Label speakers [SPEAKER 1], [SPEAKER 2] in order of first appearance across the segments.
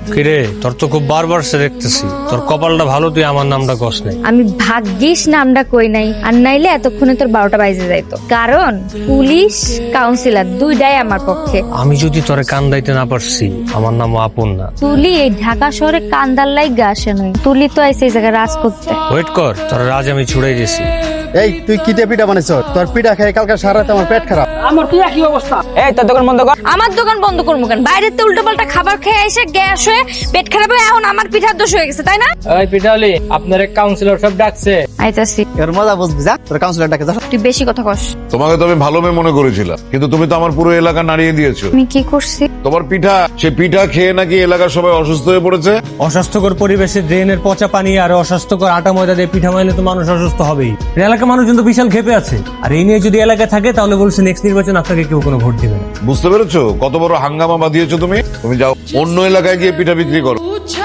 [SPEAKER 1] কিরে, তোর তো খুব বারবার সে দেখতেছি, তোর কপালটা ভালো, তুই আমার নামটা কস নাই।
[SPEAKER 2] আমি ভাগ্যিস নামটা কই নাই, আর নাইলে এতক্ষণে তোর 12টা বাজে যাইতো। কারণ পুলিশ কাউন্সিলর দুইটাই আমার পক্ষে।
[SPEAKER 1] আমি যদি তোরে কান্দাইতে না পারছি, আমার নাম আপন না।
[SPEAKER 2] তুলি এই ঢাকা শহরে কান্দার লাইগা আসে নয়, তুলি তো আইছে এই জায়গায় রাজ করতে।
[SPEAKER 1] ওয়েট কর, তোর রাজ আমি ছুড়াই দিছি।
[SPEAKER 3] এই তুই কি দিয়ে পিঠা বানাইছ? তোর পিঠা খেয়ে কালকে সারা রাত আমার পেট খারাপ।
[SPEAKER 4] আমার কি একই অবস্থা। এই তোর দোকান বন্ধ কর।
[SPEAKER 2] আমার দোকান বন্ধ করবো কেন? বাইরে তো উল্টো পাল্টা খাবার খেয়ে এসে গ্যাস হয়ে পেট খারাপ হয়ে এখন আমার পিঠার দোষ হয়ে গেছে, তাই না?
[SPEAKER 4] এই পিঠালি, আপনার এক কাউন্সিলর সব ডাকছে।
[SPEAKER 2] আইতাছি।
[SPEAKER 3] এর মজা বুঝবি, যা তোর কাউন্সিলর ডাকে যা।
[SPEAKER 2] তুই বেশি কথা কস।
[SPEAKER 5] তোমাকে তো আমি ভালো মেয়ে মনে করেছিলাম, কিন্তু তুমি তো আমার পুরো এলাকা নাড়িয়ে দিয়েছো।
[SPEAKER 2] আমি কি করছি?
[SPEAKER 5] তোমার পিঠা, সে পিঠা খেয়ে নাকি এলাকার সবাই অসুস্থ হয়ে পড়েছে।
[SPEAKER 1] অস্বাস্থ্যকর পরিবেশে ড্রেনের পচা পানি আর অস্বাস্থ্যকর আটা ময়দা দিয়ে পিঠা মাইলে তো মানুষ অসুস্থ হবেই। এলাকার মানুষজন তো বিশাল ক্ষেপে আছে, আর এই নিয়ে যদি এলাকায় থাকে তাহলে বলছে নেক্সট নির্বাচন আপনাকে কেউ কোনো ভোট দিবে না।
[SPEAKER 5] বুঝতে পেরেছো কত বড় হাঙ্গামা বাঁধিয়েছো তুমি? তুমি যাও অন্য এলাকায় গিয়ে পিঠা বিক্রি করো।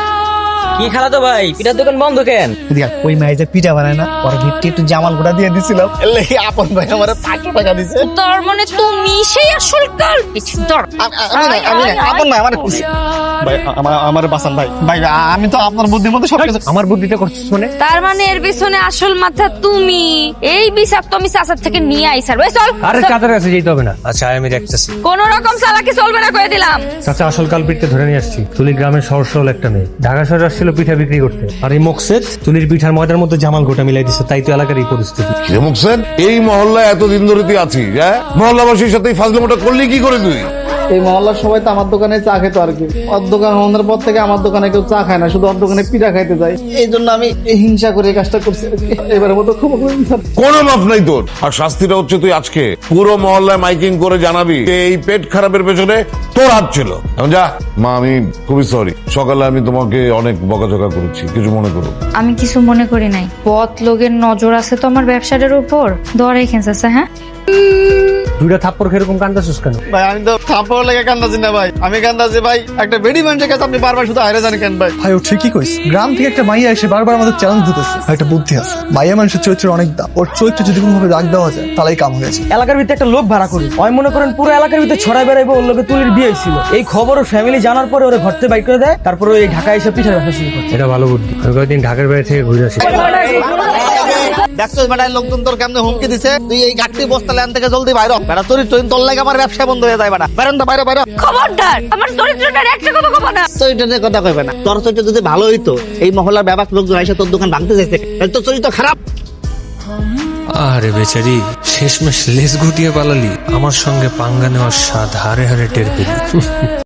[SPEAKER 4] কি খালাতো ভাই, পিঠার দোকান বন্ধ কেন?
[SPEAKER 3] ওই মাই যে পিঠা বানায় না, ওর ভিত্তি একটু জামাল গুঁড়া দিয়ে দিছিলাম, এর লাগি আপন ভাই আমার 500 টাকা দিছে।
[SPEAKER 2] তোর মানে তুমি সেই আসল কাল কিছু ধর।
[SPEAKER 3] আমি না, আপন ভাই আমার ভাই, আমার বাসান ভাই। ভাই আমি তো আপনার বুদ্ধির মধ্যে সবকিছু।
[SPEAKER 1] আমার বুদ্ধিতে করছিস মানে?
[SPEAKER 2] তার মানে এর পিছনে আসল মাথা তুমি। এই বিচার তো আমি চাচার থেকে নিয়ে আইসার। ওই চল।
[SPEAKER 1] আরে চাঁদের কাছে যেতে হবে না। আচ্ছা আমি দেখতেছি।
[SPEAKER 2] কোন রকম চালাকি চলবে না কয়ে দিলাম।
[SPEAKER 1] চাচা আসল কালপিটকে ধরে নিয়ে আসছি। তুলি গ্রামের সহজ সরল একটা মেয়ে, ঢাকা শহরে আসছিল পিঠা বিক্রি করতে, আর এই মকসেদ তুলির পিঠার ময়দার মধ্যে জামাল গোটা মিলাই দিচ্ছে, তাই তো এলাকার এই পরিস্থিতি।
[SPEAKER 5] কিরে মুকসেদ, এই মহল্লায় এতদিন ধরে তুই আছিস, হ্যাঁ? মহল্লাবাসীর সাথে ফাজলামোটা করলি কি করে তুই?
[SPEAKER 3] এই মহল্লার সবাই তো আমার দোকানে চা খেতো আর কি। ওর দোকান বন্ধের পর থেকে আমার দোকানে কেউ চা খায় না, শুধু ওর দোকানে পিঠা খাইতে যায়। এই জন্য আমি হিংসা করে এই কাজটা করছি আর কি। এবারের মতো ক্ষমা করে দিন স্যার।
[SPEAKER 5] কোনো মাপ নাই তোর। আর শাস্তিটা হচ্ছে তুই আজকে পুরো মহল্লায় মাইকিং করে জানাবি যে এই পেট খারাপের পেছনে তোর হাত ছিল। এখন যা মা, আমি খুবই সরি, সকালে আমি তোমাকে অনেক বকাঝকা করেছি, কিছু মনে করো।
[SPEAKER 2] আমি কিছু মনে করি নাই। পথ লোকের নজর আছে তো আমার ব্যবসাটার উপর। ধরে খেঁচাছে। হ্যাঁ,
[SPEAKER 1] দুইটা থাপ্পড় খেরকম কান্দাছিস কেন?
[SPEAKER 3] ভাই আমি তো থাপ্পড় লেগে কান্দাছি না ভাই, আমি কান্দাছি ভাই একটা বেডি মানুষের কাছে আপনি বারবার শুধু হারে জানি কেন ভাই?
[SPEAKER 6] ভাই ও ঠিকই কইস, গ্রাম থেকে একটা মাইয়া এসে বারবার আমাদের চ্যালেঞ্জ দিতেছে। একটা বুদ্ধি আছে, মাইয়া মানুষের চরিত্রের অনেক দাম। ওর চরিত্র যদি কোনোভাবে রাগ দেওয়া যায় তাহলেই কাম হয়েছে।
[SPEAKER 4] এলাকার ভিতরে একটা লোক ভাড়া করি, আমি মনে করেন পুরো এলাকার ভিতরে ছড়াই বেড়াইবো ওর লোকে তুলির বিয়ে ছিল। এই খবর ওর ফ্যামিলি জানার পরে ওরা ঘর থেকে বাইক করে দেয়, তারপরে ওই ঢাকায় এসে পিঠার ব্যবসা শুরু করে।
[SPEAKER 1] এটা ভালো বুদ্ধি। আমি কয়েকদিন ঢাকার বাইরে থেকে ঘুরে আসি।
[SPEAKER 3] দেখছো বেটায় লোকজন তোর কেমনে হুমকি দিছে, তুই এই গাড়ি বস্তা ল্যান থেকে জলদি বাইর হ। বেটা তোর লাগে আমার ব্যবসা বন্ধ হয়ে যায়। বেটা বেরোন তো বাইরে বাইরে।
[SPEAKER 2] খবরদার আমার চরিত্রটার একটা কথা কব না।
[SPEAKER 3] চরিত্র নিয়ে কথা কইবে না। তোর চরিত্র যদি ভালো হইতো, এই মহল্লার ব্যাপক লোকজন এসে তোর দোকান ভাঙতে চাইছে, তাহলে তোর চরিত্র খারাপ।
[SPEAKER 1] আরে বেচারি, শেষমেশ লেজ গুটিয়ে পালালি। আমার সঙ্গে পাঙ্গা নেওয়ার স্বাদ হারে হারে টের পেলি।